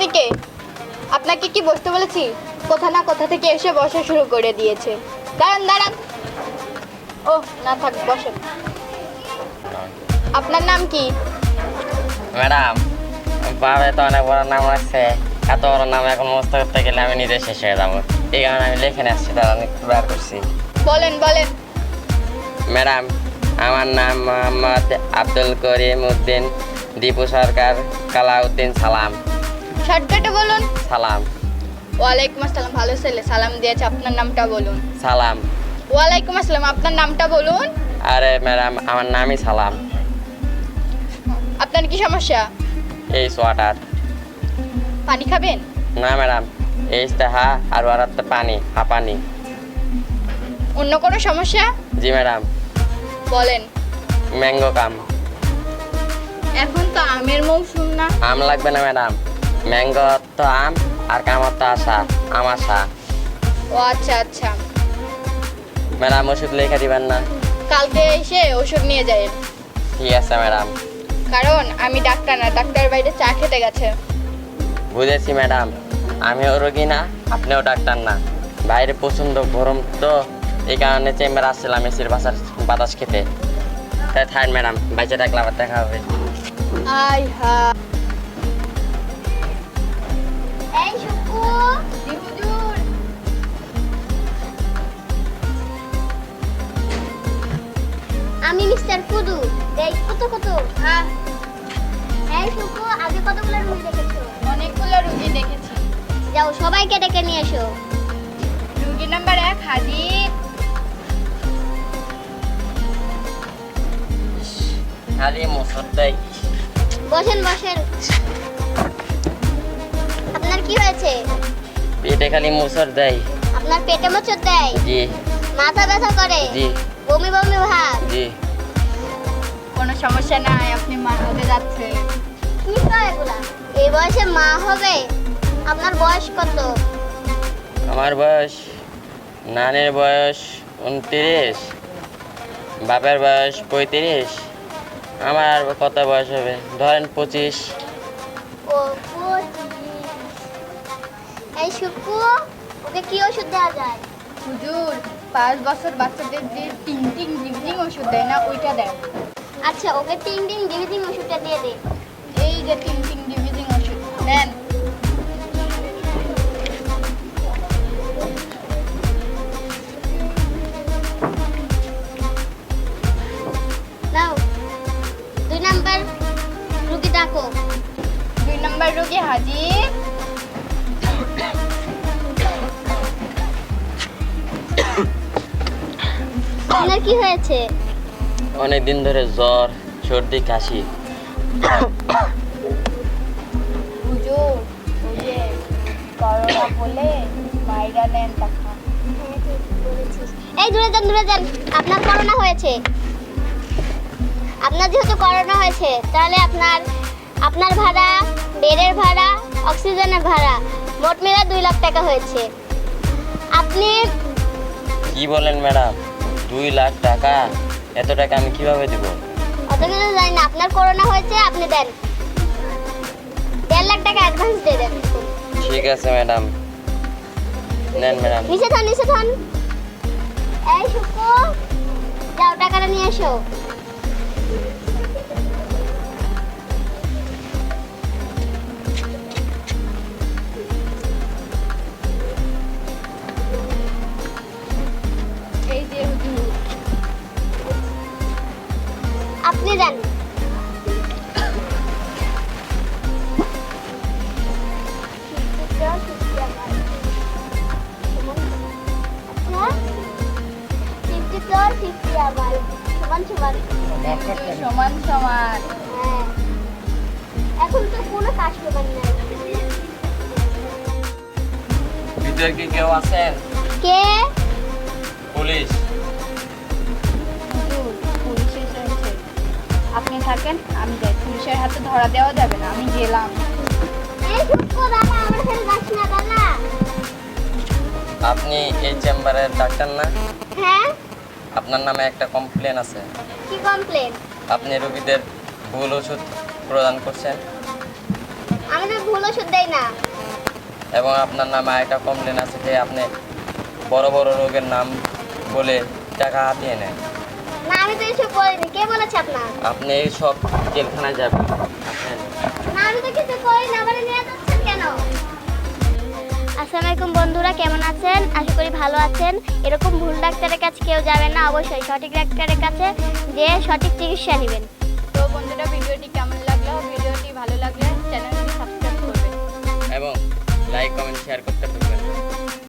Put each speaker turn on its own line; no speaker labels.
আপনি কে? আপনাকে কি বসতে বলেছি? কোথা না কোথা থেকে এসে বসা শুরু করে দিয়েছে। দাঁড়ান দাঁড়ান। ও না, থাক, বসেন। আপনার নাম কি?
ম্যাডাম, বাবা তো অনেক বড় নাম রাখছে। এত বড় নাম এখন মুখস্থ করতে গেলে আমি নিজে শেষ হয়ে যাবো। এই কারণে আমি লিখে নিয়ে আসছি, তারা একটু বার করছি।
বলেন বলেন।
ম্যাডাম, আমার নাম মোহাম্মদ আব্দুল করিম উদ্দিন, দীপু সরকার, কালাউদ্দিন সালাম।
শর্টকাটে বলুন।
সালাম।
ওয়ালাইকুম আসসালাম। ভালো ছেলে, সালাম দিয়েছে। আপনার নামটা বলুন।
সালাম।
ওয়ালাইকুম আসসালাম। আপনার নামটা বলুন।
আরে ম্যাডাম, আমার নামই সালাম।
আপনার কি সমস্যা?
এই সোয়াটার।
পানি খাবেন?
না ম্যাডাম, এই হা আর ওরাতে পানি, হাঁপানি।
অন্য কোনো সমস্যা?
জি ম্যাডাম।
বলেন।
ম্যাঙ্গো কাম।
এখন তো আমের মৌসুম না।
আম লাগবে না ম্যাডাম, ম্যাঙ্গো তো আম আর কামড় তো আসা, আম আসা।
ও আচ্ছা আচ্ছা।
ম্যাডাম, ওষুধ লিখে দিবেন না?
কালকে এসে ওষুধ নিয়ে যায়।
ঠিক আছে ম্যাডাম।
কারণ আমি ডাক্তার না, ডাক্তার বাইরে চা খেতে গেছে।
বুঝেছি ম্যাডাম, আমিও রোগী না, আপনিও ডাক্তার না। বাইরে প্রচণ্ড গরম তো, এই কারণে চেম্বার আসছিলাম এসির বাতাস খেতে। তাই থাক ম্যাডাম, বাইচে ডাকলে আবার দেখা হবে।
আই হা।
এই শুকু,
জি হুজুর।
আমি মিস্টার কুদু। এই কত কত?
হ্যাঁ,
এই শুকু, আগে কতগুলো রুগী দেখেছো?
অনেকগুলো রুগী দেখেছি।
যাও সবাইকে ডেকে নিয়ে এসো।
রুগী নাম্বার 1 হাজির।
খালি মুসর দেয়।
বসেন বসেন। আপনার কি হয়েছে?
পেটে খালি মুসর দেয়।
আপনার পেটে মোচড় দেয়?
জি।
মাথা ব্যথা করে?
জি।
বমি বমি ভাব?
জি।
কোনো সমস্যা নাই, আপনি মা হতে যাচ্ছে।
কি কয় এগুলা? এই বয়সে মা হবে? আপনার বয়স কত?
আমার বয়স, নানের বয়স 29, বাপের বয়স 35, আমার কত বয়স হবে ধরেন 25।
ও 25। এই শুকু, ওকে কি ওষুধ দেওয়া যায়?
হুজুর, 5 বছর বাচ্চাদের যে টিং টিং জিভিজিং ওষুধ দেয় না, ওইটা দেয়।
আচ্ছা, ওকে টিং টিং ডিভিজিং ওষুধটা দিয়ে দে।
এই যে টিং টিং জিভিজিং ওষুধ নেন।
নাও। 2 নাম্বার রুগী ডাকো।
2 নম্বর রুগী হাজির।
আপনার কি হয়েছে?
অনেক দিন ধরে জ্বর, সর্দি, কাশি।
হুজুর, ওই যে করোনা বলে মাইরা নেন টাকা।
এই দূরে যান দূরে যান। আপনার করোনা হয়েছে। আপনার যেহেতু করোনা হয়েছে, তাহলে আপনার ভাড়া, বেডের ভাড়া, অক্সিজেনের ভাড়া মোট মিলে 2 লাখ টাকা হয়েছে। আপনি
কি বলেন ম্যাডাম, 2 লাখ টাকা? এত টাকা আমি কিভাবে দিব?
অত কিছু জানি না। আপনার করোনা হয়েছে, আপনি দেন 1.5 লাখ টাকা অ্যাডভান্স দিয়ে দেন।
ঠিক আছে ম্যাডাম, নেন ম্যাডাম।
নিচে থান নিচে থান। এই শুকু, যাও টাকাটা নিয়ে এসো।
এই যে হুজুর।
আপনি দেন। সমান সমান।
সমান সমান।
হ্যাঁ, এখন তো কোনো কাস্টমার নেই।
ভিতরে কি কেউ আছেন?
কে?
পুলিশ।
হুজুর, পুলিশ এসেছে। আপনি থাকেন, আমি যাই। পুলিশের হাতে ধরা দেওয়া যাবে না, আমি গেলাম।
এই শুকু, দাদা আমার সাথে যাস না দাদা।
আপনি এই চেম্বারের ডাক্তার না?
হ্যাঁ।
আপনার নামে একটা কমপ্লেন আছে।
কি কমপ্লেন?
আপনি রোগীদের ভুল ওষুধ প্রদান করছেন।
আমি তো ভুল ওষুধ দেয় না।
এবং আপনার নামে একটা কমপ্লেন আছে যে আপনি বড় বড় রোগের নাম বলে টাকা হাতিয়ে নেন।
না, আমি তো এসব করিনি। কে বলেছে আপনার?
আপনি এই সব জেলখানায় যাবেন।
না, আমি তো কিছু করিনি। আবার নিয়ে যাচ্ছেন কেন? আসসালামু আলাইকুম বন্ধুরা, কেমন আছেন? আশা করি ভালো আছেন। এরকম ভুল ডাক্তারের কাছে কেউ যাবেন না, অবশ্যই সঠিক ডাক্তারের কাছে যে সঠিক চিকিৎসা নেবেন।
তো বন্ধুরা, ভিডিওটি কেমন লাগলো? ভিডিওটি ভালো লাগলে চ্যানেলটি সাবস্ক্রাইব করবেন।
এবং লাইক কমেন্ট শেয়ার করতে ভুলবেন না।